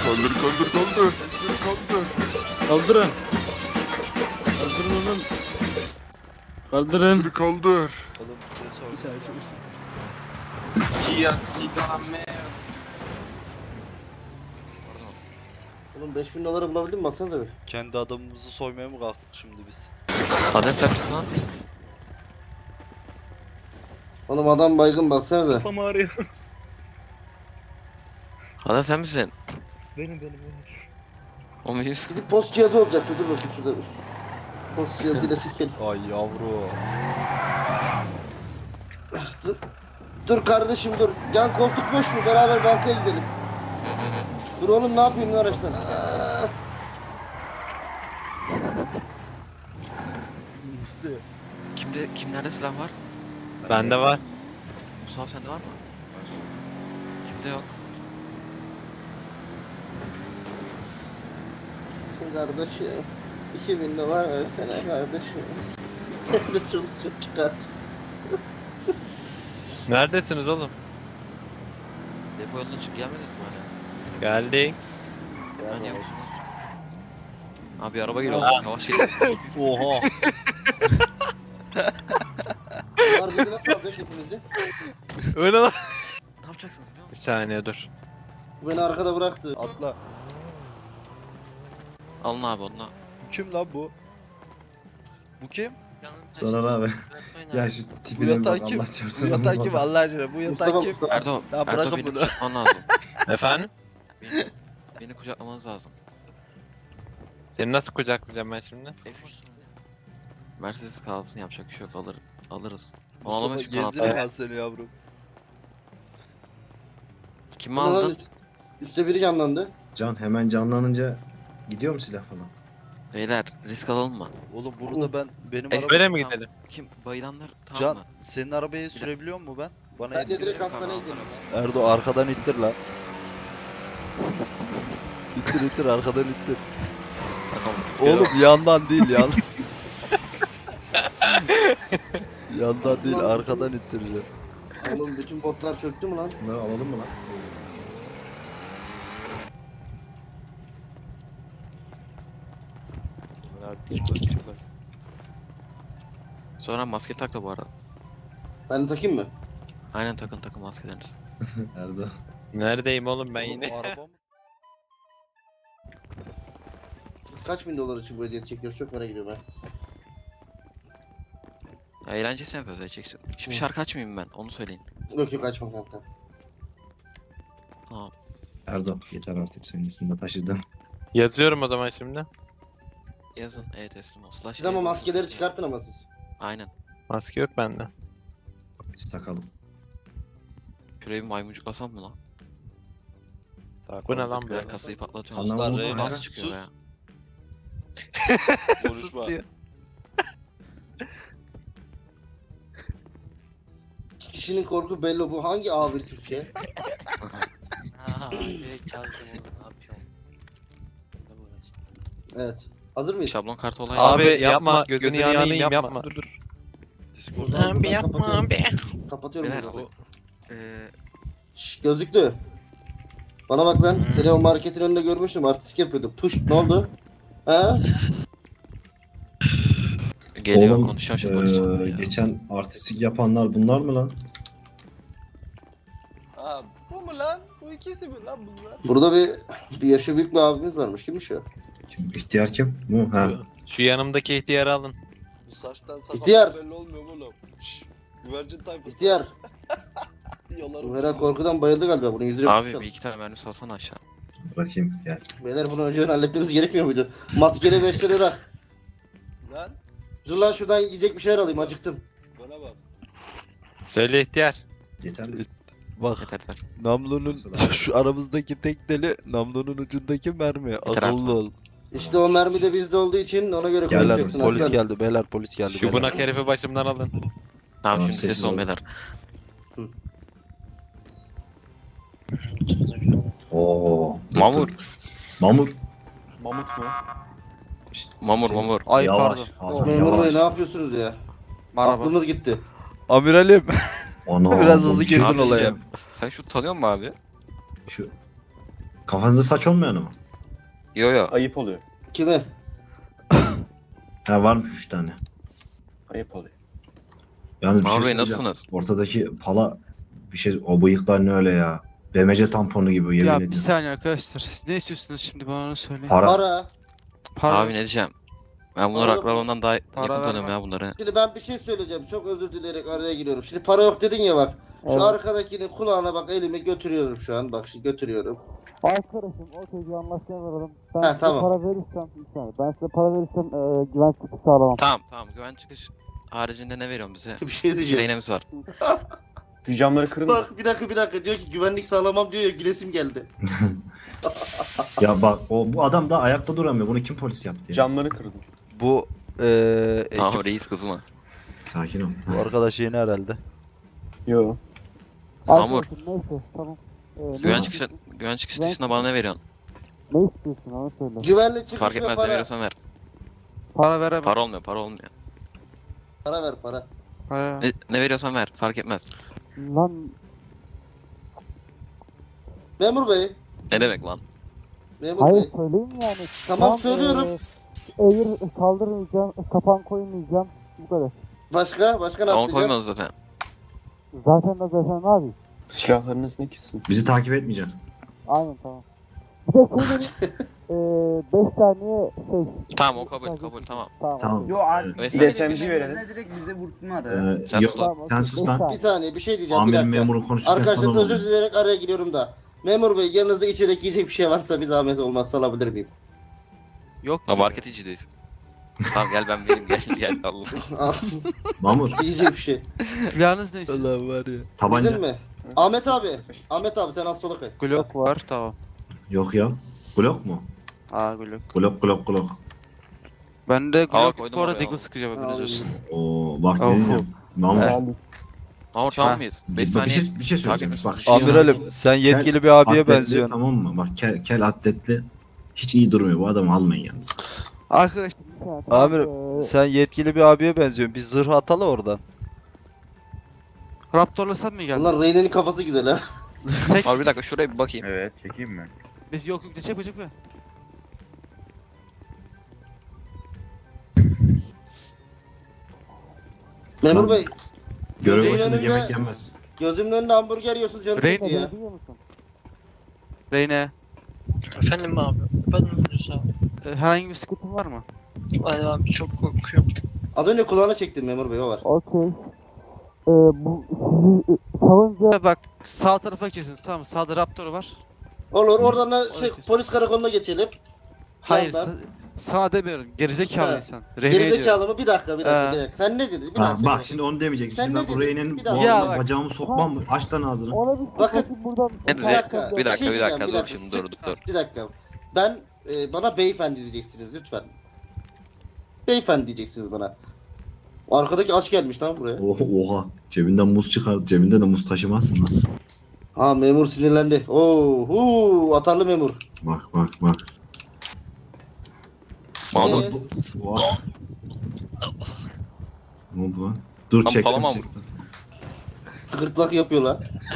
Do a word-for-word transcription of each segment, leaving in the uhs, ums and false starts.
Kaldır kaldır kaldır. Kaldır. Kaldırın. Kaldırın oğlum. Kaldırın. Kaldır kaldır. Oğlum size sor. Bir saniye şu Oğlum beş bin doları bulabildin mi? Baksanıza bir. Kendi adamımızı soymaya mı kalktık şimdi biz? Adem sen misin lan? Oğlum adam baygın, baksanıza. kafam ağrıyor. Adem sen misin? Benim benim benim. O muyuz? Bizim post cihazı olacaktı. Dur bakayım şurada bir. Post cihazıyla çekelim. Ay yavru. Dur. Dur kardeşim dur. Can koltuk boş mu? Beraber bankaya gidelim. Dur oğlum, ne yapayım lan araçtan? Aa! Üstü. Kimde kimlerde silah var? Bende var. Mustafa sende var mı? Kimde yok? Şimdi kardeşim. iki bin dolar versene kardeşim. Hem de çocuk çocuk çıkart. Neredesiniz oğlum? Depo yoluna çık gelmediniz mi hala? Geldik. Ben niye musunuz? Abi araba geliyor. Aa. Yavaş gelin. Oha. Bunlar bizi nasıl alacak hepimizi? Öyle lan. Ne yapacaksınız biliyor Bir musun? saniye dur. Bu beni arkada bıraktı. Atla. Alın abi onunla. Bu kim lan bu? Bu kim? Soner abi. Ya şu Bu tipine bir yatağı bak kim? Allah Bu çarpsın. yatağı kim Allah aşkına? Bu yatağı Mustafa kim? Mustafa. Erdo, Ya Erdo bırakın beni bunu. kucaklaman lazım. Efendim? Beni, beni kucaklamanız lazım. Seni nasıl kucaklayacağım ben şimdi? Mercedes kalsın, yapacak bir şey yok, alır, alırız. Onu Mustafa alamayız ki kanatlar. gezdirim ben seni yavrum. Kimi Bu ne lan? aldın? Üst- Üstte biri canlandı. Can hemen canlanınca gidiyor mu silah falan? Beyler risk alalım mı? Oğlum bunu da ben benim E, araba... Böyle mi Tamam. gidelim? Kim? Bayılanlar tamam Can mı? senin arabayı sürebiliyor mu ben? Bana Ben de yetkin. direkt hastaneye gidelim. Erdo arkadan ittir lan. İttir ittir arkadan ittir. Tamam. Oğlum yandan değil yan. yandan değil arkadan ittireceğim. Oğlum bütün botlar çöktü mü lan? Bunları alalım mı lan? Sonra maske tak da bu arada. Ben de takayım mı? Aynen takın takın maskelerinizi. Erdo. Neredeyim oğlum ben Oğlum, yine? bu araba mı? Biz kaç bin dolar için bu hediyeti çekiyoruz? Çok merak ediyorum ben. Ya eğlencesini yapıyoruz edeceksin. Şimdi şarkı açmayayım ben onu söyleyin. Yok yok, açma kanka. Tamam. Erdo yeter artık senin üstünde taşıdın. Yazıyorum o zaman şimdi. Yazın E teslim ol. Slash Siz ama E maskeleri teslim ol. çıkartın ama siz. Aynen. Maske yok bende. Biz takalım. Şurayı bir maymuncuklasam mı lan? Bu ne lan Birer böyle? kasayı patlatıyorum. Anlamadım Suslar ama Reyna. Nasıl çıkıyor Sus. ya? Konuşma. Kişinin korku belli, bu hangi A bir Türkçe? Evet. Hazır mıyız? Şablon kartı olayı. Abi yapma gözünü yanayım yapma. Dur dur. Discord'dan Abi yapma abi. Kapatıyorum Beyler bunu. bu eee Şşş, gözlüklü. Bana bak lan. Seni o marketin önünde görmüştüm. Artistik yapıyordu. Push, ne oldu? Ha? geliyor Oğlum, konuşacağım şimdi eee, polis. Ya. geçen artistik yapanlar bunlar mı lan? Ha bu mu lan? Bu ikisi mi lan bunlar? Burada bir bir yaşı büyük bir abimiz varmış. Kimmiş o? Kim, ihtiyar kim? Bu ha. Şu yanımdaki ihtiyarı alın. Bu saçtan İhtiyar. sakaldan belli olmuyor mu oğlum? Şşş. Güvercin tayfası. İhtiyar. Yalarım. Bu herhalde korkudan bayıldı galiba. Bunun yüzüne Abi tutuşalım. bir iki tane mermi salsana aşağı. Bırakayım gel. Beyler bunu önceden halletmemiz gerekmiyor muydu? Maskeli beş lira. Lan Dur lan şuradan yiyecek bir şeyler alayım. Acıktım. bana bak. Söyle ihtiyar. Yeter mi? Bak Yeter yeter. namlunun Mesela- şu aramızdaki tek deli namlunun ucundaki mermi. Yeter Akıllı ol. İşte o mermi de bizde olduğu için ona göre Gel lan konuşacaksın. polis aslan. geldi beyler polis geldi. Şu beyler. bunak herifi başımdan alın. Tamam, Tamam, şimdi sessiz ses ol ol. beyler. Oo. Mamur. Mamur. Mamut mu? Mamur mamur. Ay Yavaş. pardon. Abi, Memur yavaş. Bey ne yapıyorsunuz ya? Merhaba. Aklımız gitti. Amiralim. Ana, Biraz bu hızlı bir girdin şey- olaya. Sen şu tanıyor musun abi? Şu Kafanızda saç olmayan mı? Yo yo. Ayıp oluyor. Kime? Ha varmış üç tane. Ayıp oluyor. Yalnız bir şey Mahmut Bey söyleyeceğim. nasılsınız? Ortadaki pala bir şey, o bıyıklar ne öyle ya? B M C tamponu gibi yemin Ya ediyorum. bir saniye arkadaşlar. Siz ne istiyorsunuz şimdi bana onu söyleyin. Para. Para. Para. Abi ne diyeceğim? Ben bunları Para yok aklar mu? ondan daha Para yakın tanıyorum vermem. ya bunları. Şimdi ben bir şey söyleyeceğim. Çok özür dileyerek araya giriyorum. Şimdi para yok dedin ya bak. Şu Evet. arkadakini kulağına bak elimi götürüyorum şu an. Bak şimdi götürüyorum. Arkadaşım o çocuğu anlaşmaya varalım. Ben Ha, size tamam. para verirsem, bir saniye. Ben size para verirsem e, güvenlik çıkışı sağlamam. Tamam tamam güven çıkış haricinde ne veriyorsun bize? Bir şey diyeceğim. Rehinemiz var. Şu camları kırın da. Bak bir dakika bir dakika diyor ki güvenlik sağlamam diyor ya gülesim geldi. Ya bak o bu adam da ayakta duramıyor. Bunu kim polis yaptı ya? Camları kırdım. Bu eee ekip, Tamam reis kızma. Sakin ol. bu arkadaş yeni herhalde. Yo. Hamur. Arkadaşım neyse tamam. E, ne, Güven çıkışı, güven çıkış dışında bana ne veriyorsun? ne istiyorsun onu söyle. Güvenlik çıkış Fark ve etmez ne para. veriyorsan ver. Para veremem. Para olmuyor para olmuyor. Para ver para. Para veremem. Ne, ne veriyorsan ver fark etmez. Lan Memur bey. Ne demek lan? Memur hayır bey. söyleyeyim yani. Tamam, söylüyorum. E, eğir kaldırmayacağım, kapan koymayacağım. Bu kadar. Başka? Başka ne Tamam yapacaksın? koymuyoruz zaten. Zaten de zaten ne yapayım? Silahlarınız ne kissin? Bizi takip etmeyeceksin. Aynen tamam. Bir de şey dedim. Eee beş saniye şey. Tamam o kabul kabul tamam. Tamam. Tamam. Yo abi. Neyse. Bir S M G verelim. Direkt bize vursunlar Ee, ya. Sen yok, sus lan. sen sus lan. Bir saniye bir şey diyeceğim bir Amirin dakika. memurun konuşurken Arkadaşlar sana özür oldu. dileyerek araya giriyorum da. Memur bey yanınızda içecek yiyecek bir şey varsa bir zahmet olmazsa alabilir miyim? Yok Ha ki. market içindeyiz. Tamam gel ben vereyim gel gel Allah. Al, Mamur yiyecek bir şey. Silahınız ne istiyorsunuz? Allah var ya. tabanca. Bizim mi? Ahmet abi. Ahmet abi sen az sola kay. Glock var tamam. Yok ya. Glock mu? Aa Glock. Glock Glock Glock. Ben de Aa, Glock koydum bu arada oraya. Deagle sıkacağım haberiniz olsun. Oo bak Oh. ne diyeceğim. Mamur. He. Mahmut Ha. tamam mıyız? beş Bir, bir saniye. şey bir şey söyleyeceğim. Takip Bak. et. şu Amiralim sen yetkili bir abiye atletli, benziyorsun. Tamam mı? Bak kel, kel atletli. Hiç iyi durmuyor. Bu adamı almayın yalnız. Arkadaş Bir saniye, tamam. Amirim Eee, sen yetkili bir abiye benziyorsun. Bir zırh atalı oradan. Raptor'la sen mi geldin? Ulan Reyna'nın kafası güzel ha. Tek Abi bir dakika şuraya bir bakayım. Evet çekeyim mi? Yok yok çekme çekme. Memur Lan. bey Görev Gözümün başında önünde- yemek yenmez. gözümün önünde hamburger yiyorsunuz canım Reyn- çekti ya. biliyor musun? Reyne. Efendim abi, ben Yunus abi. e, Herhangi bir sıkıntın var mı? Ay abi çok korkuyorum. Az önce kulağına çektim memur bey o var. Okey. Eee bu sizi e, savunca Bak sağ tarafa kesin tamam mı? Sağda Raptor var. Olur oradan da şey, Oraya polis karakoluna geçelim. Hayır Yandan. sa- sana demiyorum. Gerizekalı He. insan. Reyne'ye diyorum. Gerizekalı mı? Bir dakika bir dakika Ee. bir dakika. Sen ne dedin? Bir Ha, dakika. bak şimdi onu demeyeceksin. Sen Şimdi ne ben bu dedin? Reyne'nin Bir dakika. Ya boğazına bak. bacağımı sokmam mı? Aç lan ağzını. ona bir Bakın. bakın buradan. Ne Bir dedi? dakika, Bir dakika şey bir dakika diyeceğim, bir dur dakika. şimdi Sık- dur dur. Bir dakika. Ben e, bana beyefendi diyeceksiniz lütfen. Beyefendi diyeceksiniz bana. Arkadaki aç gelmiş lan buraya. Oha, oha. Cebinden muz çıkar. Cebinde de muz taşımazsın lan. Ha memur sinirlendi. Oo, huu, atarlı memur. Bak bak bak. Mahmut Ee? Oha. Ne oldu lan? Dur Tam çektim palamam. çektim. Gırtlak yapıyorlar.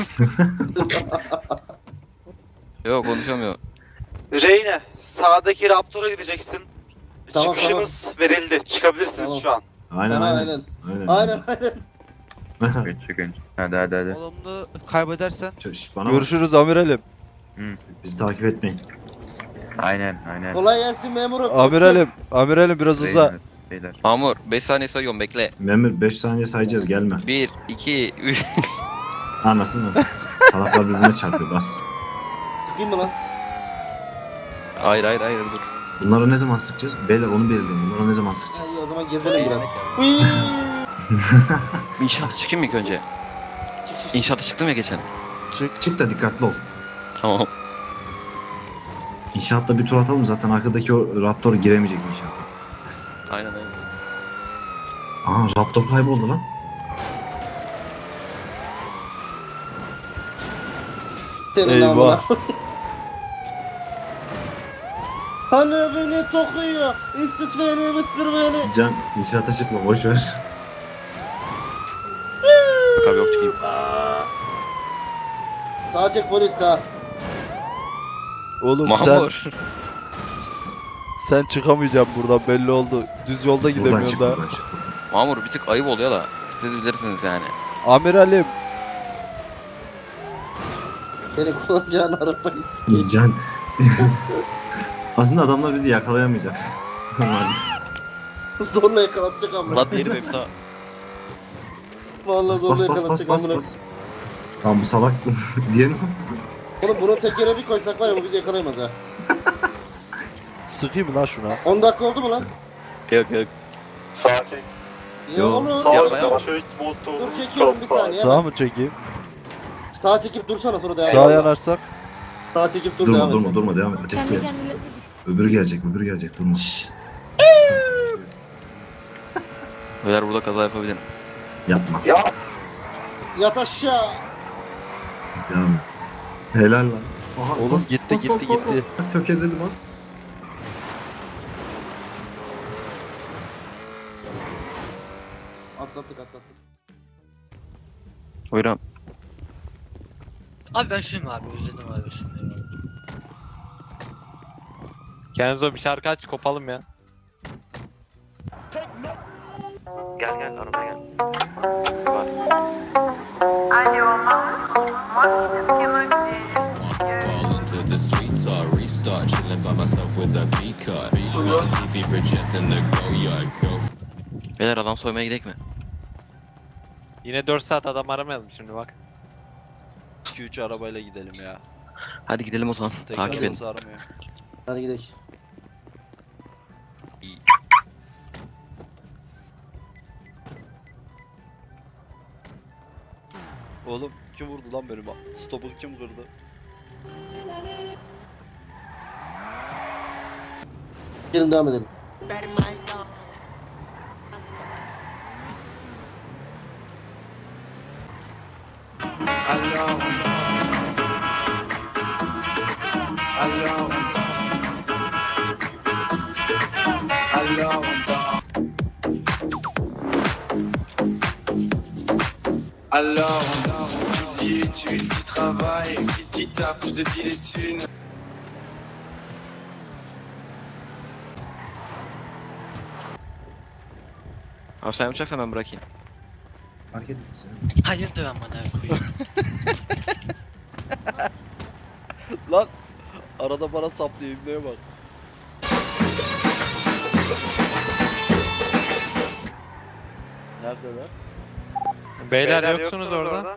yok konuşamıyor. Reyne sağdaki Raptor'a gideceksin. Tamam, Çıkışımız verildi. Çıkabilirsiniz Tamam. şu an. Aynen Aynen. aynen. Aynen Aynen. aynen. aynen. Geç çıkın. Hadi hadi hadi. Olumlu kaybedersen Şş, bana bak. Görüşürüz amiralim. Bizi takip etmeyin. Aynen aynen. Kolay gelsin memurum. Amiralim, amiralim biraz uza. Beyler, Beyler. Mahmut beş saniye sayıyorum bekle. Memur beş saniye sayacağız gelme. bir, iki, üç. Anasını. Salaklar birbirine çarpıyor bas. Sıkayım mı lan? Hayır hayır hayır dur. Bunları ne zaman sıkacağız? Beyler onu belirleyin. Bunları ne zaman sıkacağız? Hadi o zaman gezelim biraz. Hıyyy. İnşaata çıkayım mı ilk önce? Çık, çık, çık. İnşaata çıktım ya geçen. Çık, çık da dikkatli ol. Tamam. İnşaatta bir tur atalım zaten arkadaki o Raptor giremeyecek inşaata. Aynen aynen. Aa Raptor kayboldu lan. Senin Eyvah. namına. Hani beni tokuyor. İstiç beni, mıskır beni. Can inşaata çıkma boş ver. Yok abi yok çıkayım. Sağ çek polis sağ. Oğlum Mahmur. sen sen çıkamayacaksın buradan belli oldu. Düz yolda Buradan gidemiyorsun çık daha. buradan çık. buradan. Mahmur bir tık ayıp oluyor da. Siz bilirsiniz yani. Amiralim. Beni kullanacağın arabayı sikeyim. Can. Aslında adamlar bizi yakalayamayacak. Normalde. Zorla yakalatacak amına. La diğeri benim daha. Vallahi Bas zorla bas bas bas yakalatacak bas amına. bas. Tamam bu salak diyelim. Oğlum bunu tekere bir koysak var ya bu bizi yakalayamaz ha. Sıkayım mı lan şuna? on dakika oldu mu lan? Yok yok. Sakin. Ya Yo. oğlum. Yapma, yapma. Çek motoru. Dur çekiyorum bir saniye. Sağa mı çekeyim? Sağa çekip dursana sonra devam Sağa et. yanarsak. Sağa çekip dur Durma devam et. durma durma devam et. Öteki gelecek. Öbürü gelecek öbürü gelecek durma. Beyler burada kaza yapabilirim. Yapma. Yat aşağı. Devam et. Helal lan. Aha, Oğlum bas, gitti bas, gitti bas, bas, gitti. bas. Tökezledi bas. Atlattık atlattık. Buyurun. Abi ben şunu abi özledim abi şunu. Kenzo bir şarkı aç kopalım ya. Gel gel arabaya gel. Beyler adam soymaya gidelim mi? Yine dört saat adam aramayalım şimdi bak. iki üç arabayla gidelim ya. Hadi gidelim o zaman. Tekrar Takip edin. sarmıyor. Hadi gidelim. Oğlum kim vurdu lan benim? Stopu kim kırdı? Gelin devam edelim. Abi sen yapacaksan ben bırakayım. Fark etmez. Hayırdır amına koyayım. Lan arada bana saplıyor ibneye bak. Neredeler? Beyler, yoksunuz orada.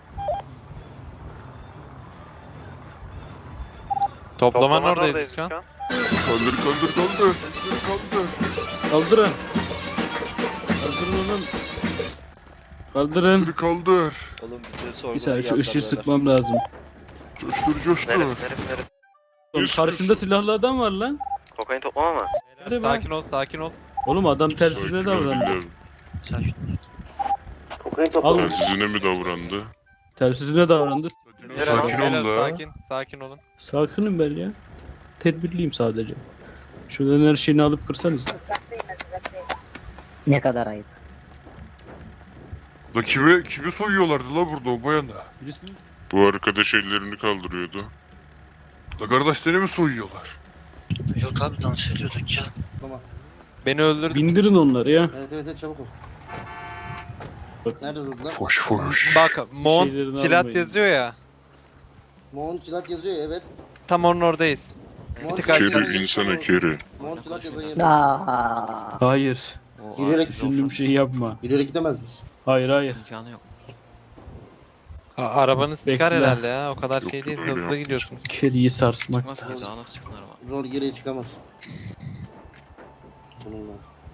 Toplamanın oradayız şu an. Kaldır kaldır kaldır. Kaldır. Kaldırın. Kaldırın oğlum. Kaldırın. Kaldır kaldır. Oğlum bize Bir sorguya saniye şu geldiler ışığı beyler. sıkmam lazım. Coştur coştur. Oğlum Üst, karşında üst. silahlı adam var lan. Kokain toplama mı? Hadi be. Sakin ol sakin ol. Oğlum adam tersine davrandı. Sakin. Al. Tersizine mi davrandı? Tersine davrandı. Sakin Beyler, ol da. sakin, sakin olun. Sakinim ben ya. Tedbirliyim sadece. Şuradan her şeyini alıp kırsanız. Ne kadar ayıp. La kimi, kimi soyuyorlardı la burada o bayana? Birisiniz. Bu arkadaş ellerini kaldırıyordu. La kardeşleri mi soyuyorlar? Yok abi dans ediyorduk ya. Tamam. Beni öldürdün. Bindirin onları ya. Evet evet evet çabuk ol. Bak. Nerede durdular? Foş foş. Bak, Mont Şeylerini silah almayın. yazıyor ya. Moğol Cilat yazıyor ya, evet. Tam onun oradayız. Moğol tık Cilat ayrı. yazan Keri yeri insana sorun. keri. Moğol Cilat yazan yer. Aa. Hayır. O Yürüyerek Düşündüğüm şeyi yapma. İleri gidemez miyiz? Hayır hayır. İmkanı yok. A- arabanız çıkar Bekle. herhalde ya. O kadar Yok, şey değil. öyle Hızlı yapmış. gidiyorsunuz. Keriyi sarsmak. Çıkmaz ki daha nasıl çıksın araba? Rol geriye çıkamazsın. Bununla.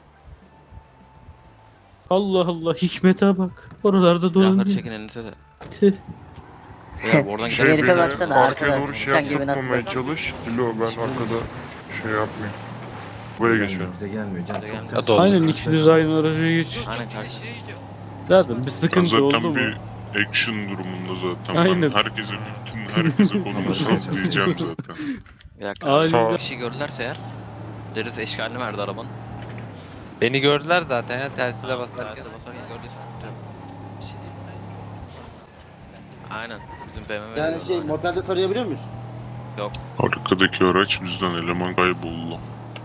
Allah Allah hikmete bak. Oralarda Silahları dolanıyor. çekin elinize de. Tüh. Beyler oradan Şey gidelim. Amerika beni baksana, arkaya arkada doğru şey sıçan gibi nasıl yaptırmamaya çalış. Dilo ben arkada şey yapmayayım. Buraya geçiyorum. Bize gelmiyor. Can Bize çok gelmiyor. ters. Hadi Aynen ikiniz aynı araca geç. Aynen kanka. Zaten bir Ben sıkıntı oldu zaten mu? bir action durumunda zaten. Aynen. Ben herkese bütün herkese konumu sallayacağım zaten. Bir dakika. Aynen. Bir kişi gördülerse eğer deriz eşkalini verdi arabanın. Beni gördüler zaten ya tersine basarken. Terse basarken gördüyse sıkıntı yok. Aynen. Bizim B M W. Yani şey motelde tarayabiliyor muyuz? Arkadaki araç bizden, eleman kayboldu.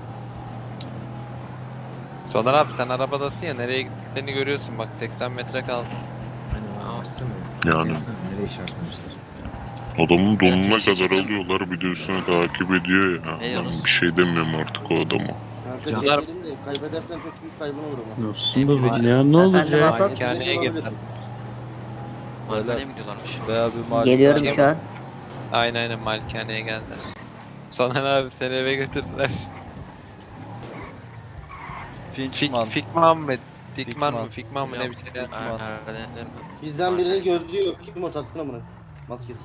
Soner abi sen arabadasın ya, nereye gittiklerini görüyorsun, bak seksen metre kaldı. Hani o açsana. Yani Baksana nereye işaretlemişler. adamın donuna Evet, kadar çekelim. alıyorlar, bir de üstüne takip ediyor ya. Ne Ben diyorsunuz? bir şey demiyorum artık o adama. Kanka Canlar- çekelim de kaybedersen çok büyük kaybın olur ama. Nasıl bu ya ne olacak? Malikaneye Olabilir. gittim. Malkaneye mi gidiyorlarmış? Veya bir mali. Geliyorum şu an. Aynen aynen malikaneye geldiler. Soner abi seni eve götürdüler. Fik, Finchman. Fikman mı? Dikman mı? Fikman. Fikman mı ne bir şey. Ha, ha, ne- ne- Bizden birini gördü yok. Kim o taksına mı? Maskesi.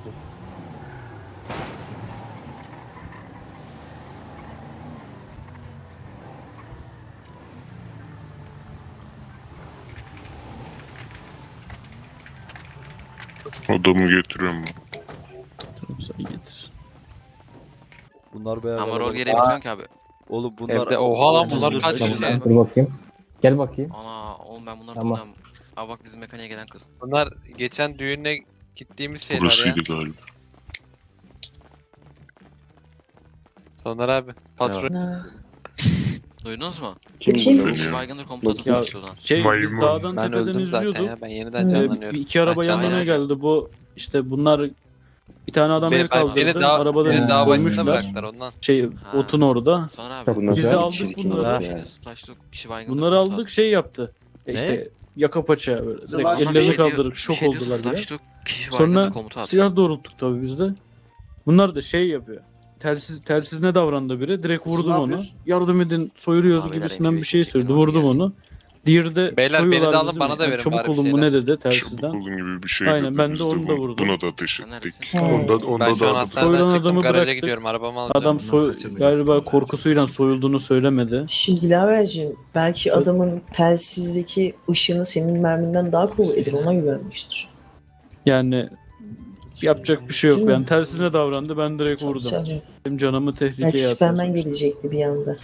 Adamı getiriyorum ben. Tamam sen getir. Bunlar bayağı Ama rol kalabalık. gereği bilmiyorum ki abi. Oğlum bunlar... Evde oha lan bunlar Dur, kaç dur, kişi? dur. Dur bakayım. Gel bakayım. Ana oğlum ben bunları Tamam. tanıyorum. Aa bak bizim mekaniğe gelen kız. Bunlar geçen düğüne gittiğimiz şeyler ya. Burasıydı galiba. Soner abi. Patron. Duydunuz mu? Kim Kişi baygındır komutanı Ya- şuradan. Şey biz Maymun. dağdan Ben tepeden öldüm zaten izliyorduk. ya. Ben yeniden Ee, canlanıyorum. bir iki araba Bak, yanlarına aynen. geldi. Bu işte bunlar bir tane adam Beni, el kaldırdı. beni dağ, Arabada beni dağ başında koymuşlar. bıraktılar ondan. Şey Ha. otun orada. Sonra abi. Bunlar Bizi güzel, aldık çirkin bunları. oldu Şey, yani. Slash'lı kişi baygındır Bunları komutan. aldık şey yaptı. E Ne? işte yaka paça böyle. Slash- Direkt Ama bir ellerini şey diyor- kaldırıp bir şok şey diyorsa oldular bile. Slash'lı kişi Sonra baygındır komutan. silah doğrulttuk tabii biz de. Bunlar da şey yapıyor. Telsiz telsiz ne davrandı biri? Direkt vurdum Ne onu. yapıyorsun? Yardım edin soyuluyoruz Abiler, gibisinden bir M Q şey iki söyledi. çekin Vurdum onu onu. Diğeri de Beyler, beni de soyuyorlar alın, bizi bana mi? da Yani verin çabuk bari bir olun mu ne şeyler. dedi Çabuk telsizden. olun gibi bir şey Aynen, dedi. ben de Biz onu da bu- vurdum. Buna da ateş Sen ettik. neredesin? Onda, onda Ben şu an da hastaneden Soyulan çıktım, adamı garaja bıraktık. gidiyorum, arabamı alacağım. Adam Bunlar soy kaçırmayacak galiba falan. korkusuyla soyulduğunu söylemedi. Şimdi Dilaverciğim belki adamın telsizdeki ışını senin merminden daha kuvvetlidir, ona güvenmiştir. Yani yapacak bir şey yok. Değil mi? Yani tersine davrandı. Ben direkt Çok vurdum. güzel. Benim canımı tehlikeye Belki attı. Superman sonuçta. gelecekti bir anda.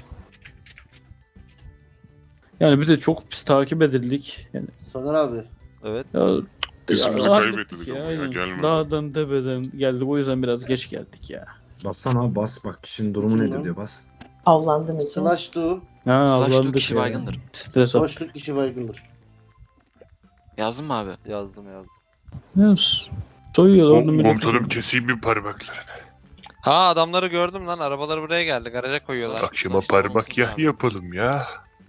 Yani bir de çok pis takip edildik. Yani Soner abi. Evet. ya, İzimizi ya, kaybettik hallettik ama ya, aynen. gelmedi. Dağdan tepeden geldik. O yüzden biraz geç geldik ya. Bassana abi bas bak kişinin durumu Kim nedir lan? diyor bas. Avlandı mesela. Slash do. Ha Slash'lı avlandık kişi ya. baygındır. Stres at. Boşluk kişi baygındır. Yazdın mı abi? Yazdım yazdım. Yes. Soyuyorlar onu millet. Komutanım keseyim bir parmaklarını. Ha adamları gördüm lan, arabaları buraya geldi, garaja koyuyorlar. Akşama Slash parmak olumsuz yah abi. yapalım ya.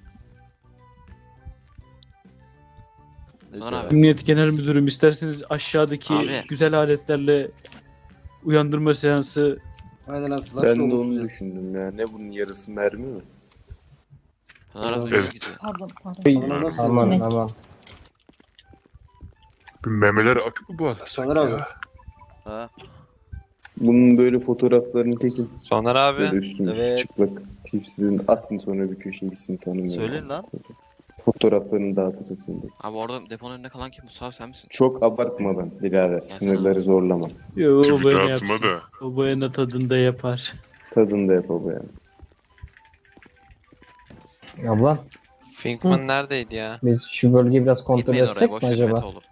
Ne Soner diyor? abi. Emniyet Genel Müdürüm isterseniz aşağıdaki Abi. güzel aletlerle uyandırma seansı Aynen abi. Slash Ben da de olumsuz. onu düşündüm ya. Ne bunun yarısı mermi mi? Soner abi Evet. gidiyor. Pardon, pardon. Bana nasıl Aman sinek? aman. Bir memeler ak mı bağlasak Soner abi. ya? Ha? Bunun böyle fotoğraflarını tekin. Soner Böyle abi. üstüne Evet. çıplak tipsizin atın sonra bir köşeyi tanımıyorum. Söyleyin lan. Fotoğraflarını dağıtırız şimdi. Abi orada deponun önünde kalan kim? Mustafa sen misin? Çok abartmadan birader. Sınırları zorlama. Yo, o Tweet böyle atma yapsın. da. O boyana tadında yapar. Tadını da yap baba yani. Abla Finkman neredeydi ya? biz şu bölgeyi biraz Gitmeyin oraya boş ver Mete oğlum.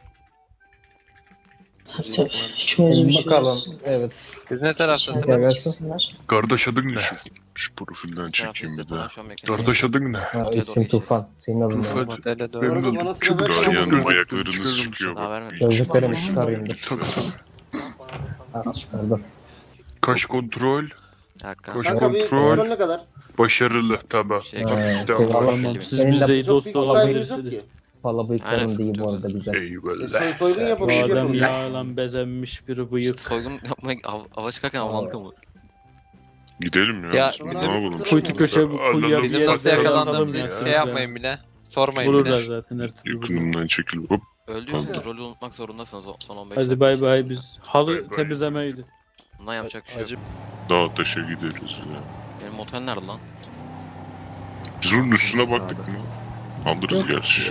Tabii tabii. Şöyle bir şey olsun. Evet. Siz ne taraftasınız? İçeriden Evet. çıksınlar. Kardeş adın ne? Şu profilden Bu çekeyim bir tarafta daha. şu an mekaniğe. Kardeş adın ne? Ha, Doğru isim geçeceğiz. Tufan. Senin adın ne? Tufan. Otele Bu doğru. arada Memnun bana oldum. sıra ver, Çok çabuk yanım olun. ayaklarınız çıkıyor. Daha bak. vermedim. Gözlüklerimi Tabii, çıkarayım dur. tabii. Ha, çıkardım. Kaş kontrol. Bir dakika. Koş. Kanka bir Kontrol. pistol ne kadar? Başarılı tamam. Şey, Ha, Tamam. eyvallah. Tamam siz Benim de bize Çok dost büyük bir kaybımız yok olabilirsiniz. ki. Valla Aynen, bıyıklarım değil bu sıkıntı arada güzel. E, soy, Eyvallah. soygun yapalım. Bu şey adam yapalım ya. yağlan bezenmiş bir bıyık. soygun yapmaya av, ava çıkarken avlandık mı? Gidelim ya. Ya, Ne bizim- yapalım? Kuytu köşe bu kuyuya Alalım, bir Bizim yere nasıl atalım yakalandığımızı ya. hiç şey yapmayın bile. Sormayın Vururlar bile. zaten her türlü. vururlar. Yakınımdan çekil. Hop. Öldüyseniz rolü unutmak zorundasınız o son on beş Hadi dakika bay bay içerisinde. biz. Halı Bay bay. temizlemeydi. Bundan yapacak bir şey yok. Acı. Dağ taşa gideriz ya. Benim otel nerede lan? Biz onun üstüne Sağda. baktık mı? Alırız gerçi.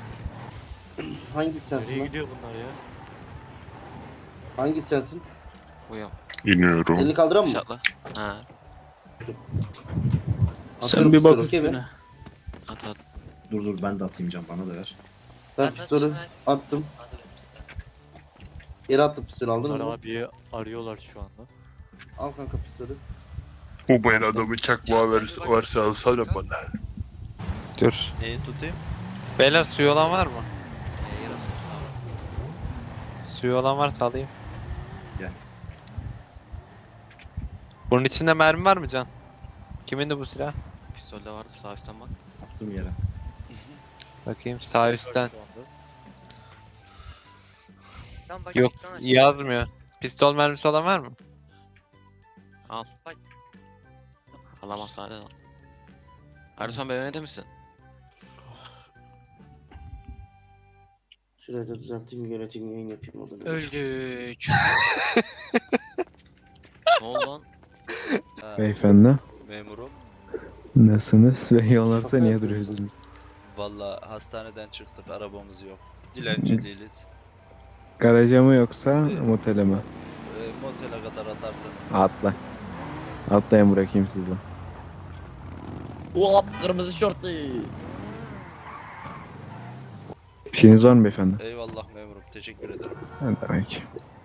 Hangi sensin lan? gidiyor bunlar ya? Hangi sensin? Uyuyorum. İniyorum. Elini kaldıran mı? Şatla. Ha. Atıyorum Sen bir bak pistolü, okey mi? üstüne. At at. Dur dur ben de atayım can bana da ver. Ben pistolü attım. Yere attım pistolü aldınız mı? Abiyi arıyorlar şu anda. Al kanka pistolü. Bu ben adamı çakmağı ver, varsa alsana bana. Dur. Neyi tutayım? Beyler suyu olan var mı? Ee, yarası abi. Suyu olan varsa alayım. Gel. Bunun içinde mermi var mı Can? Kimin de bu silah? Pistolde vardı sağ üstten bak. Attım yere. Bakayım sağ üstten. Lan bak, Yok ekran aç. yazmıyor. Pistol mermisi olan var mı? Al. Bak. Alamaz hadi lan. Erdoğan B M W'de misin? Şurayı da düzelteyim, yönetim yayın yapayım o da. Öldük. Ne oldu lan? Beyefendi. Memurum. Nasılsınız ve yollarsa niye duruyorsunuz? Valla hastaneden çıktık, arabamız yok. Dilenci değiliz. Garaja mı yoksa motele mi? Ee, motele kadar atarsanız. Atla. Atlayın bırakayım sizi. Ulan kırmızı şortlu. Bir şeyiniz var mı beyefendi? Eyvallah memurum, teşekkür ederim. Ne demek?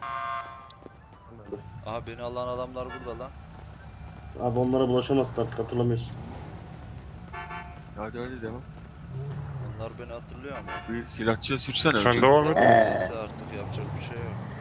Aha beni alan adamlar burada lan. Abi onlara bulaşamazsın artık, hatırlamıyorsun. Hadi hadi devam. Onlar beni hatırlıyor ama. Bir silahçıya sürsene. Sen devam et. Neyse artık yapacak bir şey yok.